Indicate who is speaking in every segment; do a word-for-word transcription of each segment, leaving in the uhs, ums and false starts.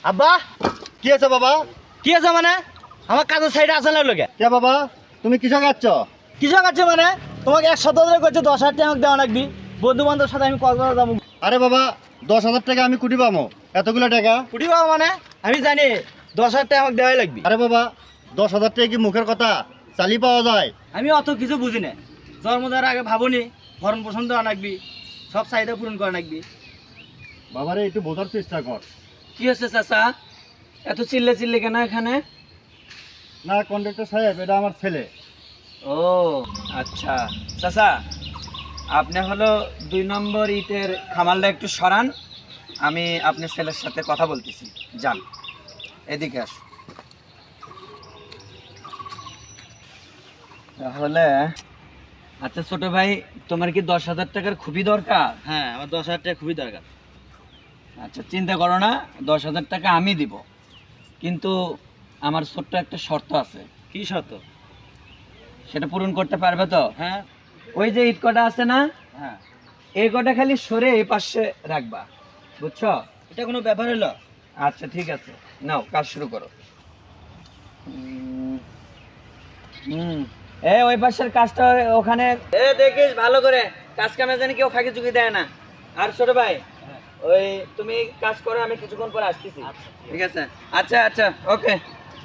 Speaker 1: আব্বা
Speaker 2: কি আছে বাবা?
Speaker 1: কি আছে মানে আমার কাজের সাইডে আসে না লোকে
Speaker 2: কে বাবা তুমি কিসে খাচ্ছ?
Speaker 1: কিসব আছে মানে তোমাকে এক সপ্তাহ ধরে করছে দশ হাজার টাকা আমাকে দেওয়া লাগবি বন্ধু বান্ধবের সাথে আমি কক্সবাজার যাবো।
Speaker 2: আরে বাবা দশ হাজার টাকা আমি কুটি পাবো? এতগুলো টাকা?
Speaker 1: কুটি পাবো মানে আমি জানি দশ হাজার টাকা আমাকে দেওয়াই লাগবি।
Speaker 2: আরে বাবা দশ হাজার টাকা কি মুখের কথা? চালি পাওয়া যায়?
Speaker 1: আমি অত কিছু বুঝি না, জন্ম দেওয়ার আগে ভাবনি ভরণ পোষণ দেওয়া লাগবি, সব চাহিদা পূরণ করা লাগবি।
Speaker 2: বাবারে একটু বোঝার চেষ্টা কর।
Speaker 1: কি হচ্ছে চাচা এত চিল্লে চিল্লে কেন এখানে?
Speaker 2: না কন্ডাক্টর সাহেব এটা আমার ছেলে।
Speaker 1: ও আচ্ছা চাচা, আপনি হলো দুই নম্বর ইটের খামালটা একটু সরান, আমি আপনার ছেলের সাথে কথা বলতেছি। যান এদিকে আস। তাহলে আচ্ছা ছোট ভাই, তোমার কি দশ হাজার টাকার খুবই দরকার? হ্যাঁ আমার দশ হাজার টাকা খুবই দরকার। আচ্ছা চিন্তা করো না, দশ হাজার টাকা আমি দিব, কিন্তু আমার ছোট্ট একটা শর্ত আছে। কি শর্ত? সেটা পূরণ করতে পারবে তো? হ্যাঁ। ওই যে ইট কটা আছে না, হ্যাঁ এই কটা খালি সরে এই পাশে রাখবা, বুঝছো? এটা কোনো ব্যাপার হলো? আচ্ছা ঠিক আছে, নাও কাজ শুরু করো। হুম হুম এ ওই পাশের কাজটা ওখানে এ দেখিস ভালো করে, কাজ কামে জানি কেউ ফাঁকি চুকি দেয় না। আর ছোট ভাই ওই তুমি কাজ করো, আমি কিছুক্ষণ পরে আসতেছি। ঠিক আছে? আচ্ছা আচ্ছা ওকে।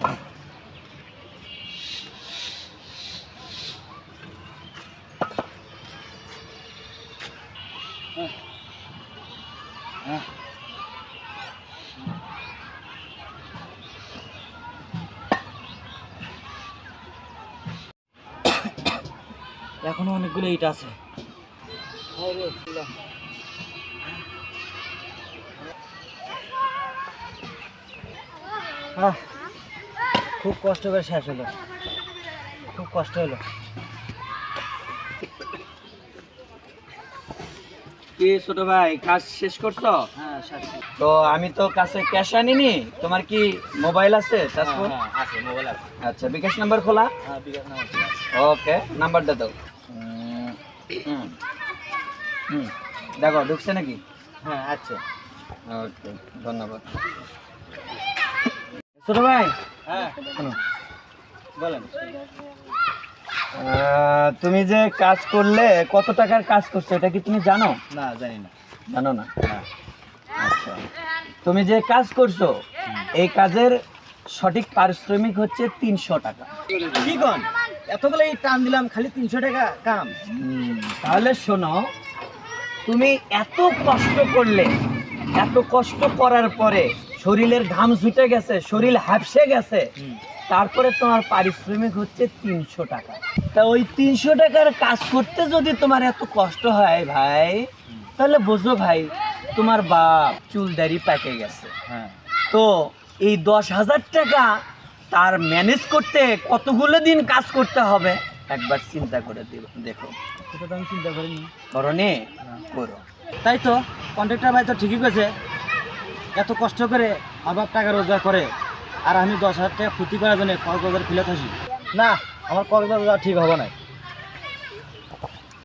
Speaker 1: এখনো অনেকগুলো ইট আছে। আহ, খুব কষ্ট করে শেষ হলো, খুব কষ্ট হলো। কি ছোট ভাই কাজ শেষ করছো? হ্যাঁ শেষ। তো আমি তো কাছে ক্যাশ আনিনি, তোমার কি মোবাইল আছে?
Speaker 2: হ্যাঁ, আছে মোবাইল আছে।
Speaker 1: আচ্ছা বিকাশ নাম্বার খোলা?
Speaker 2: হ্যাঁ বিকাশ নাম্বার আছে।
Speaker 1: ওকে নাম্বারটা দাও। হুম হুম দেখো ঢুকছে নাকি?
Speaker 2: হ্যাঁ আচ্ছা।
Speaker 1: ওকে ধন্যবাদ। ছোট ভাই
Speaker 2: হ্যাঁ
Speaker 1: শোনো,
Speaker 2: বলেন।
Speaker 1: আহ, তুমি যে কাজ করলে কত টাকার কাজ করছো এটা কি তুমি জানো?
Speaker 2: না জানি না।
Speaker 1: জানো না?
Speaker 2: না।
Speaker 1: আচ্ছা তুমি যে কাজ করছো এই কাজের সঠিক পারিশ্রমিক হচ্ছে তিনশো টাকা।
Speaker 2: কি কন এতগুলো এই টান দিলাম খালি তিনশো টাকা কাম?
Speaker 1: হুম, তাহলে শোনো, তুমি এত কষ্ট করলে, এত কষ্ট করার পরে শরীরের ঘাম ছুটে গেছে, শরীর হাঁপসে গেছে, তারপরে তোমার পারিশ্রমিক হচ্ছে তিনশো টাকা। তা ওই তিনশো টাকার কাজ করতে যদি তোমার এত কষ্ট হয় ভাই, তাহলে বোঝো ভাই তোমার বাপ চুল দাড়ি পেকে গেছে।
Speaker 2: হ্যাঁ
Speaker 1: তো এই দশ হাজার টাকা তার ম্যানেজ করতে কতগুলো দিন কাজ করতে হবে একবার চিন্তা করে দিও- দেখো।
Speaker 2: সেটা তো আমি চিন্তা করিনি।
Speaker 1: করণে করো।
Speaker 2: তাই তো কন্ট্রাক্টর ভাই তো ঠিকই করেছে, এত কষ্ট করে আমার টাকা রোজগার করে আর আমি দশ হাজার টাকা ক্ষতি করার জন্য কক্সবাজার ফিরে থাকি না, আমার কক্সবাজার ঠিক হবে না।